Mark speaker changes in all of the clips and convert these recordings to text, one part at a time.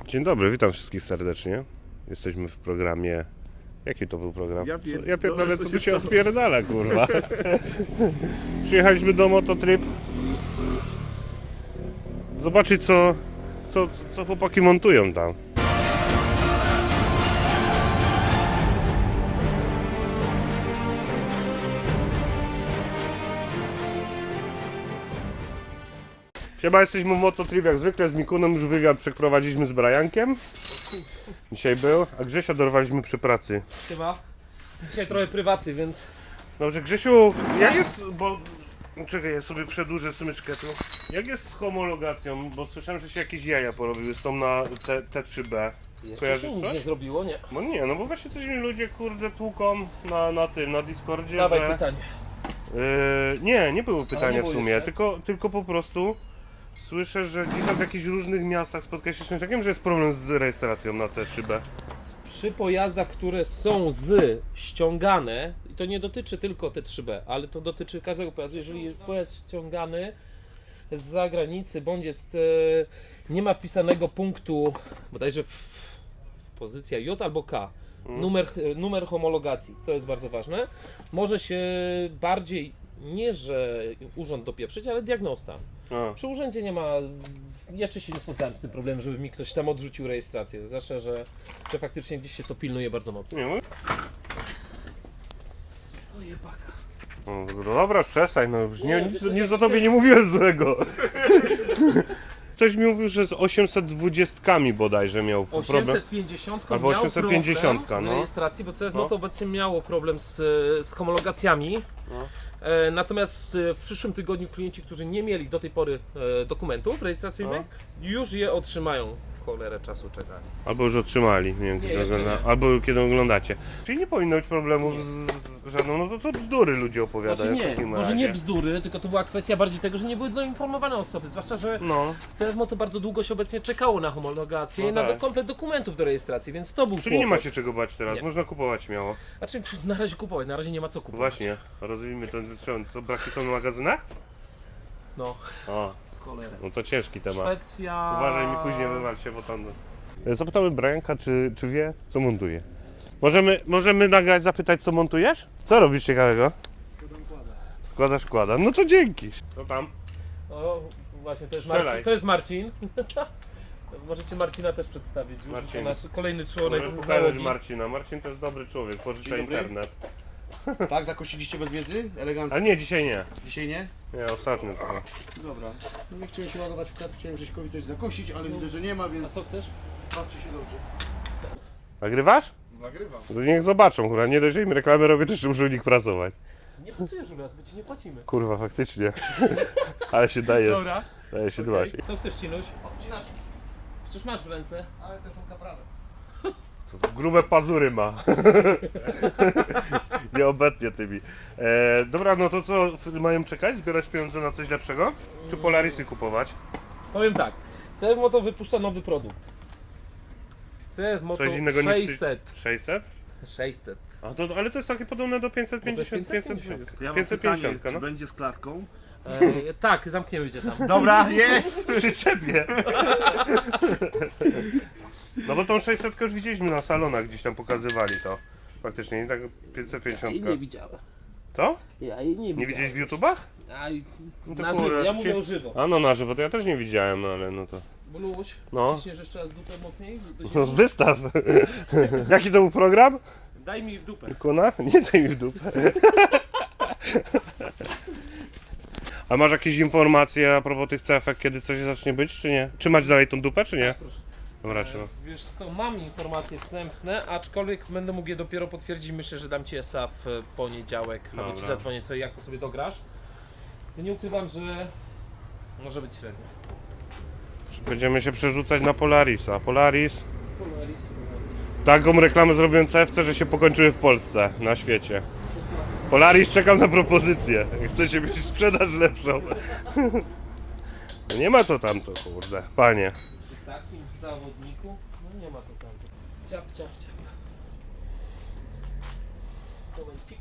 Speaker 1: Dzień dobry, witam wszystkich serdecznie. Jesteśmy w programie... Jaki to był program? Ja pierdolę, co tu się odpierdala, kurwa. Przyjechaliśmy do Mototrip. Zobaczyć, co chłopaki montują tam. Chyba jesteśmy w Mototrip jak zwykle, z Mikunem już wywiad przeprowadziliśmy z Briankiem. Dzisiaj był, a Grzesia dorwaliśmy przy pracy.
Speaker 2: Chyba. Dzisiaj trochę prywaty, więc...
Speaker 1: Dobrze, Grzesiu, jak jest, bo... Czekaj, ja sobie przedłużę smyczkę tu. Jak jest z homologacją? Bo słyszałem, że się jakieś jaja porobiły z tą na T3B. Kojarzysz
Speaker 2: nic
Speaker 1: coś?
Speaker 2: nie zrobiło, nie.
Speaker 1: No nie, no bo właśnie coś mi ludzie kurde tłuką na Discordzie,
Speaker 2: Dawaj
Speaker 1: że...
Speaker 2: pytanie.
Speaker 1: Nie było pytania
Speaker 2: nie
Speaker 1: w
Speaker 2: było
Speaker 1: sumie,
Speaker 2: jeszcze?
Speaker 1: tylko po prostu słyszę, że gdzieś tam w jakichś różnych miastach spotkałeś się z czymś takim, że jest problem z rejestracją na T3B.
Speaker 2: Przy pojazdach, które są z ściągane, i to nie dotyczy tylko T3B, ale to dotyczy każdego pojazdu, jeżeli jest pojazd ściągany z zagranicy, bądź jest, nie ma wpisanego punktu, bodajże w pozycja J albo K, numer homologacji, to jest bardzo ważne, może się bardziej, nie że urząd dopieprzyć, ale diagnosta.
Speaker 1: A.
Speaker 2: Przy urzędzie nie ma, jeszcze się nie spotkałem z tym problemem, żeby mi ktoś tam odrzucił rejestrację, zwłaszcza, że faktycznie gdzieś się to pilnuje bardzo mocno.
Speaker 1: Nie, no,
Speaker 2: O jebaka.
Speaker 1: no dobra, przestań, no już nic o tobie nie mówiłem złego. Ktoś mi mówił, że z 820 bodajże miał problem.
Speaker 2: 850
Speaker 1: Albo
Speaker 2: miał
Speaker 1: 850,
Speaker 2: problem
Speaker 1: no.
Speaker 2: w rejestracji, bo CF
Speaker 1: No.
Speaker 2: to obecnie miało problem z homologacjami.
Speaker 1: No.
Speaker 2: Natomiast w przyszłym tygodniu klienci, którzy nie mieli do tej pory dokumentów rejestracyjnych, już je otrzymają. W cholerę czasu czekali.
Speaker 1: Albo już otrzymali, nie wiem,
Speaker 2: Nie,
Speaker 1: kiedy
Speaker 2: jeszcze nie.
Speaker 1: albo kiedy oglądacie. Czyli nie powinno być problemów z żadną, no to bzdury ludzie opowiadają
Speaker 2: Znaczy
Speaker 1: w
Speaker 2: nie,
Speaker 1: takim
Speaker 2: może
Speaker 1: razie.
Speaker 2: nie bzdury, tylko to była kwestia bardziej tego, że nie były doinformowane osoby, zwłaszcza, że
Speaker 1: No,
Speaker 2: w CFMO to bardzo długo się obecnie czekało na homologację
Speaker 1: No
Speaker 2: i na
Speaker 1: tak.
Speaker 2: komplet dokumentów do rejestracji, więc to był
Speaker 1: czyli nie ma
Speaker 2: kłopot.
Speaker 1: się czego bać teraz,
Speaker 2: Nie.
Speaker 1: można kupować śmiało.
Speaker 2: Znaczy na razie kupować, na razie nie ma co kupować.
Speaker 1: Właśnie, rozwijmy to, co braki są w magazynach?
Speaker 2: No,
Speaker 1: O,
Speaker 2: w cholerę.
Speaker 1: no to ciężki temat.
Speaker 2: Szwecja...
Speaker 1: Uważaj mi później wywal się, bo tam... Zapytamy Brianka, czy wie, co montuje. Możemy nagrać, zapytać, co montujesz? Co robisz ciekawego? Składa. No to dzięki. Co tam?
Speaker 2: O, właśnie, to jest
Speaker 1: Strzelaj.
Speaker 2: Marcin. To jest Marcin. Możecie Marcina też przedstawić już.
Speaker 1: Marcin.
Speaker 2: To nasz kolejny członek
Speaker 1: Możesz pokazać
Speaker 2: załogi.
Speaker 1: Marcina. Marcin to jest dobry człowiek, pożycza
Speaker 3: Dzień dobry.
Speaker 1: internet.
Speaker 3: Tak, zakosiliście bez wiedzy? Elegancko.
Speaker 1: Ale nie, dzisiaj nie.
Speaker 3: Dzisiaj nie?
Speaker 1: Nie, ostatnio tylko.
Speaker 3: Dobra. No nie chciałem się ładować w kartę, chciałem Grześkowi coś zakosić, ale widzę, że nie ma,
Speaker 2: A
Speaker 3: więc
Speaker 2: co chcesz?
Speaker 3: bawcie się dobrze.
Speaker 1: Nagrywasz?
Speaker 3: Nagrywam.
Speaker 1: To niech zobaczą, kurwa. Nie dość, że im reklamę robię, też muszę u nich pracować.
Speaker 2: Nie pracujesz u nas, bo ci nie płacimy.
Speaker 1: Kurwa, faktycznie. Ale się daje
Speaker 2: Dobra.
Speaker 1: się
Speaker 2: Okej.
Speaker 1: dbać.
Speaker 2: Co chcesz, Cinuś?
Speaker 3: Obcinaczki,
Speaker 2: Przecież masz w ręce.
Speaker 3: ale te są kaprawe.
Speaker 1: Grube pazury ma. Nie obetnie tymi. Dobra, no to co, mają czekać? Zbierać pieniądze na coś lepszego? Czy Polarisy kupować?
Speaker 2: Powiem tak. CF Moto wypuszcza nowy produkt. CF Moto
Speaker 1: Coś innego
Speaker 2: 600.
Speaker 1: niż 600?
Speaker 2: 600.
Speaker 1: A to, ale to jest takie podobne do 550.
Speaker 2: 550.
Speaker 3: Ja mam
Speaker 1: 550,
Speaker 3: pytanie,
Speaker 1: no.
Speaker 3: czy będzie z klatką?
Speaker 2: Tak, zamkniemy cię tam.
Speaker 3: Dobra, jest!
Speaker 1: Przyczepie. No bo tą 600 już widzieliśmy na salonach, gdzieś tam pokazywali to. Faktycznie, nie tak 550.
Speaker 2: I nie widziałem.
Speaker 1: To?
Speaker 2: Ja jej nie widziałem.
Speaker 1: Nie widziałeś w YouTubach?
Speaker 2: A,
Speaker 1: to
Speaker 2: na
Speaker 1: kurde,
Speaker 2: żywo, ja
Speaker 1: ci-
Speaker 2: mówię o żywo.
Speaker 1: A no na żywo to ja też nie widziałem, no ale no to...
Speaker 2: Bluś,
Speaker 1: No.
Speaker 2: ciśniesz jeszcze raz dupę mocniej do
Speaker 1: No
Speaker 2: ziemi?
Speaker 1: wystaw! Jaki to był program?
Speaker 2: Daj mi w dupę.
Speaker 1: Kuna? Nie daj mi w dupę. A masz jakieś informacje a propos tych cefek, kiedy coś zacznie być, czy nie? Trzymać dalej tą dupę, czy nie?
Speaker 2: Proszę.
Speaker 1: Dobra, trzymam.
Speaker 2: Wiesz co, mam informacje wstępne, aczkolwiek będę mógł je dopiero potwierdzić. Myślę, że dam ci ESA w poniedziałek, albo ci
Speaker 1: Dobra.
Speaker 2: zadzwonię, co i jak to sobie dograsz. Nie ukrywam, że może być średnio.
Speaker 1: Będziemy się przerzucać na Polarisa. Polaris. Taką reklamę zrobiłem CFC, że się pokończyły w Polsce, na świecie. Polaris, czekam na propozycję. Chcecie mieć sprzedaż lepszą. No nie ma to tamto, kurde. Panie.
Speaker 2: Przy takim zawodniku, no nie ma to tam. Ciap, ciap, ciap. Momencik.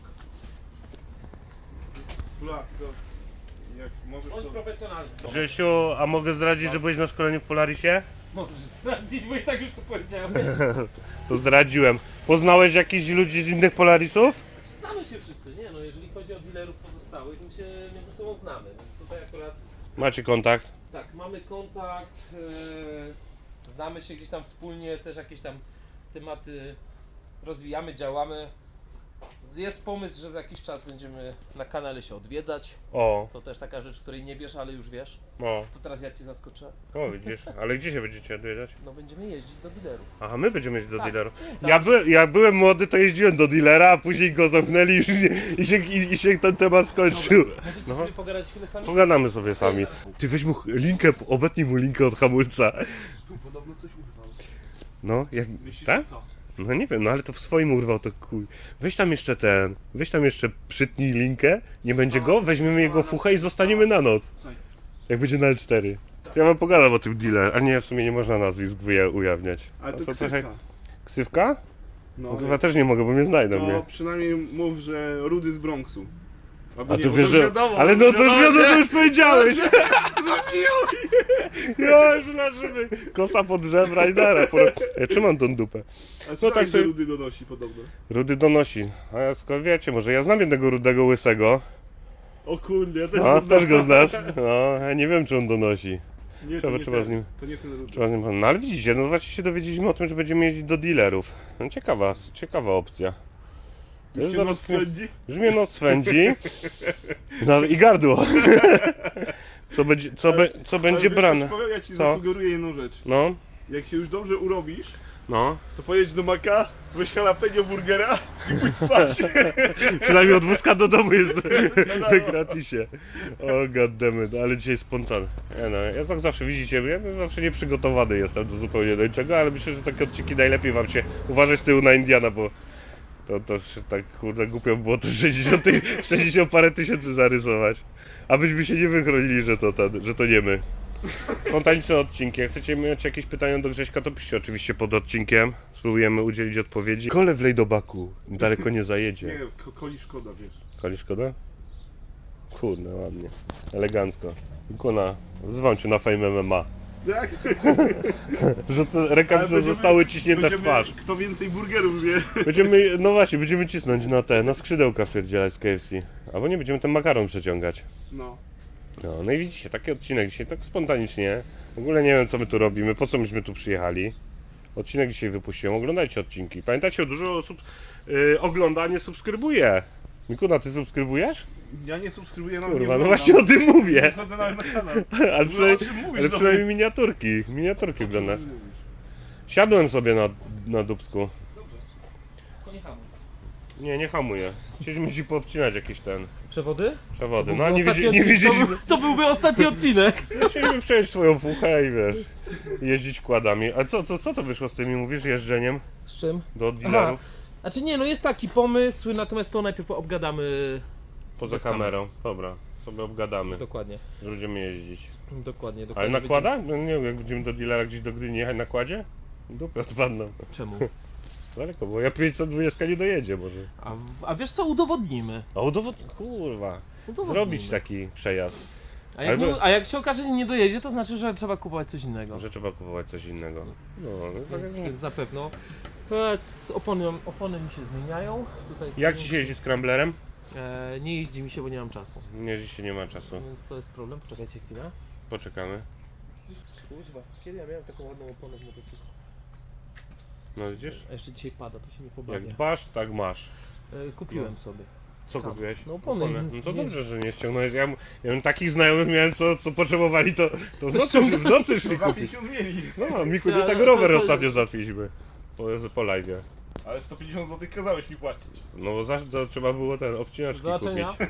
Speaker 3: Kulak, to jak możesz
Speaker 2: Bądź
Speaker 3: to...
Speaker 2: profesjonalny.
Speaker 1: Grzesiu, a mogę zdradzić, że byłeś na szkoleniu w Polarisie?
Speaker 2: Możesz zdradzić, bo i tak już to powiedziałem.
Speaker 1: To zdradziłem. Poznałeś jakichś ludzi z innych Polarisów?
Speaker 2: Znamy się wszyscy, nie no, jeżeli chodzi o dealerów pozostałych, my się między sobą znamy, więc tutaj akurat
Speaker 1: Macie kontakt?
Speaker 2: tak, mamy kontakt, znamy się gdzieś tam wspólnie, też jakieś tam tematy rozwijamy, działamy. Jest pomysł, że za jakiś czas będziemy na kanale się odwiedzać.
Speaker 1: O,
Speaker 2: To też taka rzecz, której nie wiesz, ale już wiesz.
Speaker 1: o,
Speaker 2: To teraz ja cię zaskoczę.
Speaker 1: o widzisz. Ale gdzie się będziecie odwiedzać?
Speaker 2: No będziemy jeździć do dealerów.
Speaker 1: Aha, my będziemy jeździć do
Speaker 2: Tak,
Speaker 1: dealerów.
Speaker 2: tak.
Speaker 1: Jak byłem młody, to jeździłem do dealera, a później go zamknęli i, już i się ten temat skończył.
Speaker 2: Możecie
Speaker 1: No.
Speaker 2: sobie pogadać chwilę sami?
Speaker 1: Pogadamy sobie sami. Ty weź mu linkę, obetnij mu linkę od hamulca.
Speaker 3: Tu podobno coś urwał.
Speaker 1: No, jak...
Speaker 3: Myślisz,
Speaker 1: Tak?
Speaker 3: że co?
Speaker 1: No nie wiem, no ale to w swoim urwał to kuj. Weź tam jeszcze przytnij linkę, nie będzie go, weźmiemy jego fuchę i zostaniemy na noc.
Speaker 3: Słuchaj,
Speaker 1: Jak będzie na L4. To ja wam pogadam o tym dealer, a nie, w sumie nie można nazwisk ujawniać.
Speaker 3: ale
Speaker 1: No
Speaker 3: to
Speaker 1: trochę-
Speaker 3: ksywka.
Speaker 1: Ksywka?
Speaker 3: No,
Speaker 1: No chyba też nie mogę, bo mnie znajdą,
Speaker 3: to
Speaker 1: nie?
Speaker 3: przynajmniej mów, że Rudy z Bronxu. Albo
Speaker 1: A
Speaker 3: nie,
Speaker 1: to
Speaker 3: bo
Speaker 1: wiesz, że...
Speaker 3: wiadomo,
Speaker 1: Ale no to już wiadomo, to
Speaker 3: nie?
Speaker 1: już powiedziałeś! Ja już leżymy. Kosa pod żebra i dara. Ja trzymam tą dupę.
Speaker 3: A słuchaj,
Speaker 1: tak
Speaker 3: że
Speaker 1: to-
Speaker 3: Rudy donosi podobno.
Speaker 1: Rudy donosi. A ja skąd wiecie, może ja znam jednego rudego łysego.
Speaker 3: O kurde, ja też
Speaker 1: A,
Speaker 3: go znam.
Speaker 1: też go znasz? No, ja nie wiem, czy on donosi.
Speaker 3: Nie,
Speaker 1: Trzeba-
Speaker 3: to nie
Speaker 1: trzeba
Speaker 3: ten,
Speaker 1: z nim-
Speaker 3: To nie ten Rudy.
Speaker 1: Trzeba z nim... No ale widzicie, no właśnie się dowiedzieliśmy o tym, że będziemy jeździć do dealerów. No ciekawa opcja. To
Speaker 3: Już
Speaker 1: jest
Speaker 3: cię
Speaker 1: zaraz-
Speaker 3: nas swędzi?
Speaker 1: Już mnie nos swędzi. No i gardło. Co będzie
Speaker 3: Ale wiesz,
Speaker 1: brane?
Speaker 3: coś powiem, ja ci
Speaker 1: Co?
Speaker 3: zasugeruję jedną rzecz.
Speaker 1: No,
Speaker 3: Jak się już dobrze urobisz,
Speaker 1: no.
Speaker 3: to pojedź do Maka, weź jalapeno burgera i pójdź spać.
Speaker 1: Przynajmniej od wózka do domu jest na gratisie. O goddammit, ale dzisiaj spontan. Ja tak zawsze widzicie, ja zawsze nieprzygotowany jestem do zupełnie do niczego, ale myślę, że takie odcinki najlepiej wam się uważać z tyłu na Indiana, bo to się tak kurde głupio było to 60 parę tysięcy zarysować. Abyśmy się nie wychronili, że to nie my. Spontaniczne odcinki. Jak chcecie mieć jakieś pytania do Grześka, to piszcie oczywiście pod odcinkiem. Spróbujemy udzielić odpowiedzi. Kole wlej do baku. Daleko nie zajedzie.
Speaker 3: Nie, koli szkoda, wiesz.
Speaker 1: Koli szkoda? Kurde, ładnie. Elegancko. Ikona, wzywam cię na Fame MMA.
Speaker 3: Tak?
Speaker 1: Rękawice
Speaker 3: Ale
Speaker 1: zostały ciśnięte w
Speaker 3: będziemy-
Speaker 1: twarz.
Speaker 3: Kto więcej burgerów zje?
Speaker 1: No właśnie, będziemy cisnąć na skrzydełka wpierdzielać z KFC. Albo nie, będziemy ten makaron przeciągać.
Speaker 3: No.
Speaker 1: No i widzicie, taki odcinek dzisiaj tak spontanicznie. W ogóle nie wiem, co my tu robimy, po co myśmy tu przyjechali. Odcinek dzisiaj wypuściłem, oglądajcie odcinki. Pamiętajcie, dużo osób ogląda, a nie subskrybuje. Mikuna, ty subskrybujesz?
Speaker 3: Ja nie subskrybuję, no
Speaker 1: Kurwa, no właśnie o tym mówię.
Speaker 3: Nie chodzę nawet na kanał.
Speaker 1: Ale przynajmniej,
Speaker 3: o czym mówisz
Speaker 1: ale
Speaker 3: do
Speaker 1: przynajmniej miniaturki oglądasz. Siadłem sobie na dubsku.
Speaker 2: To nie hamuj.
Speaker 1: Nie hamuję. Chcieliśmy ci poobcinać jakieś
Speaker 2: Przewody?
Speaker 1: przewody.
Speaker 2: To
Speaker 1: No a
Speaker 2: byłby
Speaker 1: nie
Speaker 2: ostatni
Speaker 1: wiedzieliśmy.
Speaker 2: odcinek, to byłby ostatni odcinek.
Speaker 1: Chcieliśmy przejść twoją fuchę i wiesz, jeździć kładami. A co to wyszło z tymi, mówisz, jeżdżeniem
Speaker 2: Z czym?
Speaker 1: do dealerów
Speaker 2: Znaczy nie, no jest taki pomysł, natomiast to najpierw obgadamy.
Speaker 1: poza
Speaker 2: bez kamer.
Speaker 1: kamerą? Dobra, sobie obgadamy,
Speaker 2: Dokładnie,
Speaker 1: że będziemy jeździć.
Speaker 2: dokładnie.
Speaker 1: Ale nakłada? No nie wiem, jak będziemy do dealera gdzieś do Gdyni jechać na kładzie? Dupy odpadną.
Speaker 2: Czemu?
Speaker 1: Daleko, bo ja 520 nie dojedzie może.
Speaker 2: A wiesz co, udowodnimy.
Speaker 1: A kurwa,
Speaker 2: Udowodnimy.
Speaker 1: zrobić taki przejazd,
Speaker 2: A jak się okaże, że nie dojedzie, to znaczy, że trzeba kupować coś innego.
Speaker 1: że trzeba kupować coś innego. No, tak
Speaker 2: Więc na pewno. Opony mi się zmieniają. Tutaj
Speaker 1: jak ci się jeździ z Scramblerem?
Speaker 2: nie jeździ mi się, bo nie mam czasu.
Speaker 1: Nie, dzisiaj nie ma czasu.
Speaker 2: Więc to jest problem. Poczekajcie chwilę.
Speaker 1: Poczekamy.
Speaker 2: Kuźwa, kiedy ja miałem taką ładną oponę w motocyklu?
Speaker 1: No widzisz?
Speaker 2: A jeszcze dzisiaj pada, to się nie
Speaker 1: Jak
Speaker 2: pobawia.
Speaker 1: dbasz, tak masz.
Speaker 2: Kupiłem sobie.
Speaker 1: Co
Speaker 2: Sam.
Speaker 1: kupiłeś?
Speaker 2: No opony, więc
Speaker 1: No to
Speaker 2: nie-
Speaker 1: dobrze, że nie ściągnąłeś. Ja bym takich znajomych miałem, co potrzebowali, to w nocy szli
Speaker 3: Za
Speaker 1: kupić.
Speaker 3: 50 mieli.
Speaker 1: No, Miku,
Speaker 2: Ja,
Speaker 1: nie tak
Speaker 2: to-
Speaker 1: rower
Speaker 2: to-
Speaker 1: ostatnio załatwiliśmy. Po live'ie.
Speaker 3: Ale 150 zł kazałeś mi płacić.
Speaker 1: No bo to trzeba było ten obcinaczki
Speaker 2: Zobaczenia.
Speaker 1: kupić.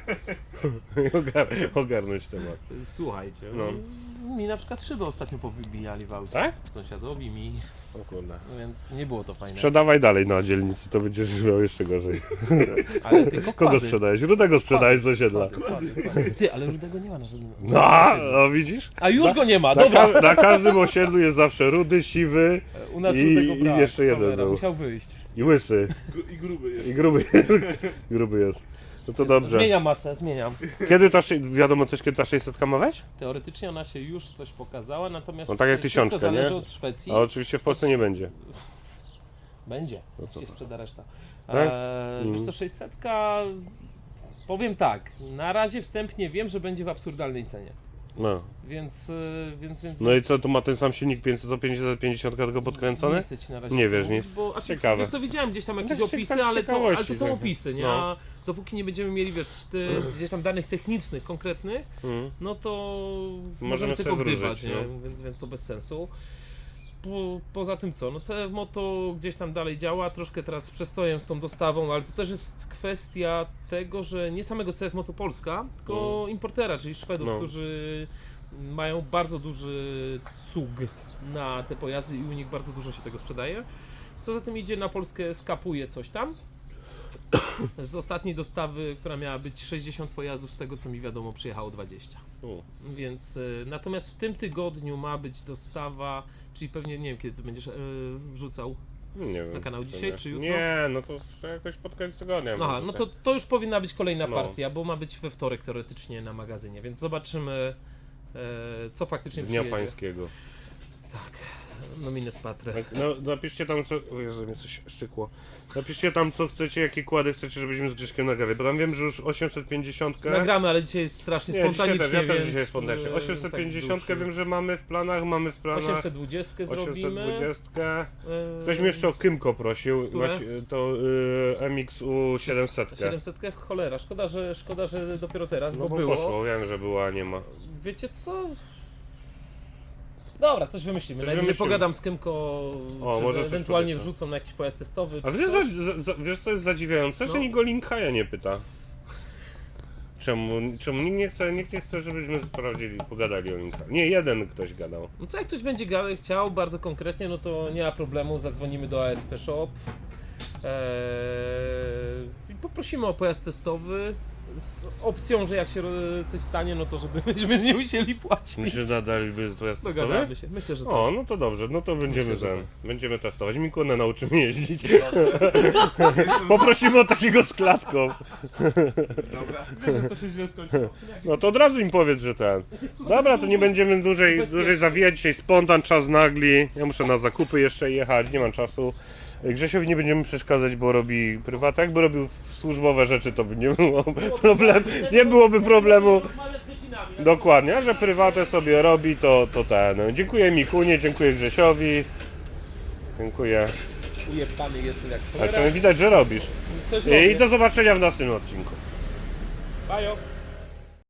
Speaker 1: Ogarnąć temat.
Speaker 2: Słuchajcie,
Speaker 1: No.
Speaker 2: mi na przykład szyby ostatnio powybijali w aucie.
Speaker 1: Tak?
Speaker 2: Sąsiadowi mi,
Speaker 1: O kurde.
Speaker 2: więc nie było to fajne.
Speaker 1: Sprzedawaj dalej na dzielnicy, to będziesz miał jeszcze gorzej.
Speaker 2: Ale tylko
Speaker 1: Kogo
Speaker 2: kłady.
Speaker 1: sprzedajesz? Rudego sprzedajesz z osiedla.
Speaker 2: Kłady. Ty, ale rudego nie ma na żadnym.
Speaker 1: No, widzisz?
Speaker 2: A już go nie ma, dobra.
Speaker 1: Na każdym osiedlu jest zawsze rudy, siwy
Speaker 2: U nas
Speaker 1: i
Speaker 2: rudego brak.
Speaker 1: jeszcze jeden
Speaker 2: Cholera,
Speaker 1: był.
Speaker 2: musiał wyjść.
Speaker 1: I łysy.
Speaker 3: I gruby jest.
Speaker 1: I gruby. Gruby jest. No to dobrze.
Speaker 2: Zmieniam masę, zmieniam.
Speaker 1: Kiedy ta, wiadomo coś, kiedy ta 600 ma wejść?
Speaker 2: Teoretycznie ona się już coś pokazała, natomiast
Speaker 1: No tak jak
Speaker 2: wszystko
Speaker 1: 1000,
Speaker 2: zależy
Speaker 1: nie?
Speaker 2: od Szwecji.
Speaker 1: A oczywiście w Polsce nie będzie.
Speaker 2: Będzie,
Speaker 1: No co
Speaker 2: się
Speaker 1: to?
Speaker 2: sprzeda reszta.
Speaker 1: Tak?
Speaker 2: Wiesz co, 600, powiem tak, na razie wstępnie wiem, że będzie w absurdalnej cenie.
Speaker 1: No.
Speaker 2: Więc
Speaker 1: No i co, tu ma ten sam silnik 550 tylko podkręcony?
Speaker 2: Nie chcę ci na razie
Speaker 1: Nie wiesz,
Speaker 2: mówić,
Speaker 1: nic.
Speaker 2: bo
Speaker 1: Ciekawe.
Speaker 2: Wiesz co, widziałem gdzieś tam jakieś
Speaker 1: Tak,
Speaker 2: opisy,
Speaker 1: tak z
Speaker 2: ale
Speaker 1: ciekawości,
Speaker 2: to są
Speaker 1: tak.
Speaker 2: opisy, nie?
Speaker 1: No.
Speaker 2: A dopóki nie będziemy mieli, wiesz, gdzieś tam danych technicznych, konkretnych,
Speaker 1: Mm.
Speaker 2: no to
Speaker 1: Możemy
Speaker 2: możemy
Speaker 1: sobie
Speaker 2: tylko
Speaker 1: wróżyć,
Speaker 2: gdywać, nie?
Speaker 1: no.
Speaker 2: Więc to bez sensu. Poza tym co, no CF Moto gdzieś tam dalej działa, troszkę teraz z przestojem z tą dostawą, ale to też jest kwestia tego, że nie samego CF Moto Polska, tylko importera, czyli Szwedów,
Speaker 1: No.
Speaker 2: którzy mają bardzo duży cug na te pojazdy i u nich bardzo dużo się tego sprzedaje. Co za tym idzie, na Polskę skapuje coś tam. Z ostatniej dostawy, która miała być 60 pojazdów, z tego co mi wiadomo, przyjechało 20. Więc natomiast w tym tygodniu ma być dostawa, czyli pewnie nie wiem kiedy to będziesz wrzucał.
Speaker 1: Nie wiem.
Speaker 2: Na kanał
Speaker 1: to
Speaker 2: dzisiaj,
Speaker 1: nie.
Speaker 2: czy jutro?
Speaker 1: Nie, no to jakoś pod koniec tygodnia.
Speaker 2: Aha,
Speaker 1: może
Speaker 2: no
Speaker 1: tak.
Speaker 2: to już powinna być kolejna
Speaker 1: No.
Speaker 2: partia, bo ma być we wtorek teoretycznie na magazynie, więc zobaczymy co faktycznie
Speaker 1: Z Dnia
Speaker 2: przyjedzie.
Speaker 1: Pańskiego.
Speaker 2: Tak, nomines patre.
Speaker 1: No, napiszcie tam co... O Jezu, mnie coś szczykło. Napiszcie tam co chcecie, jakie kłady chcecie, żebyśmy z Grzyszkiem nagrali. Bo tam wiem, że już 850...
Speaker 2: Nagramy, ale dzisiaj jest strasznie
Speaker 1: Nie, dzisiaj
Speaker 2: spontanicznie,
Speaker 1: też, ja też
Speaker 2: więc...
Speaker 1: dzisiaj spontanicznie. 850
Speaker 2: tak z duszy.
Speaker 1: wiem, że mamy w planach,
Speaker 2: 820 zrobimy.
Speaker 1: 820.
Speaker 2: Yy,
Speaker 1: Ktoś mnie jeszcze o Kymko prosił,
Speaker 2: Które?
Speaker 1: to MXU 700.
Speaker 2: 700, cholera, szkoda, że dopiero teraz,
Speaker 1: No
Speaker 2: bo
Speaker 1: bo
Speaker 2: było.
Speaker 1: poszło, wiem, że była, a nie ma.
Speaker 2: Wiecie co? Dobra, coś wymyślimy.
Speaker 1: Coś
Speaker 2: Najwyżej
Speaker 1: wymyślimy.
Speaker 2: pogadam z Kymko,
Speaker 1: O,
Speaker 2: czy
Speaker 1: może coś
Speaker 2: ewentualnie
Speaker 1: powiedzmy.
Speaker 2: wrzucą na jakiś pojazd testowy.
Speaker 1: A
Speaker 2: czy
Speaker 1: wiesz,
Speaker 2: coś.
Speaker 1: wiesz co jest zadziwiające? Że
Speaker 2: No.
Speaker 1: nikt o Linkaja nie pyta. Czemu nikt nie chce, żebyśmy sprawdzili, pogadali o Linkaju? Nie, jeden ktoś gadał.
Speaker 2: No co jak ktoś będzie chciał bardzo konkretnie, no to nie ma problemu, zadzwonimy do ASP Shop i poprosimy o pojazd testowy z opcją, że jak się coś stanie, no to żebyśmy nie musieli płacić.
Speaker 1: Myślę, że daliby pojazd testowy?
Speaker 2: Dogadamy się, myślę, że tak.
Speaker 1: O, no to dobrze, no to będziemy
Speaker 2: Myślę, że
Speaker 1: będziemy testować. Mikunę nauczymy jeździć. Poprosimy o takiego z klatką.
Speaker 2: Wiesz, że to się źle skończyło.
Speaker 1: No to od razu im powiedz, że ten. Dobra, to nie będziemy dłużej zawijać. Dzisiaj spontan, czas nagli. Ja muszę na zakupy jeszcze jechać, nie mam czasu. Grzesiowi nie będziemy przeszkadzać, bo robi prywatę. Jakby robił służbowe rzeczy, to by nie było problemu. Nie byłoby problemu. Dokładnie, a że prywatę sobie robi, to ten. Dziękuję Mikunie, dziękuję Grzesiowi. Dziękuję.
Speaker 2: Ujebany jestem jak
Speaker 1: Tak,
Speaker 2: cholera.
Speaker 1: widać, że robisz.
Speaker 2: Coś
Speaker 1: I
Speaker 2: robię.
Speaker 1: do zobaczenia w następnym odcinku.
Speaker 2: Bajo.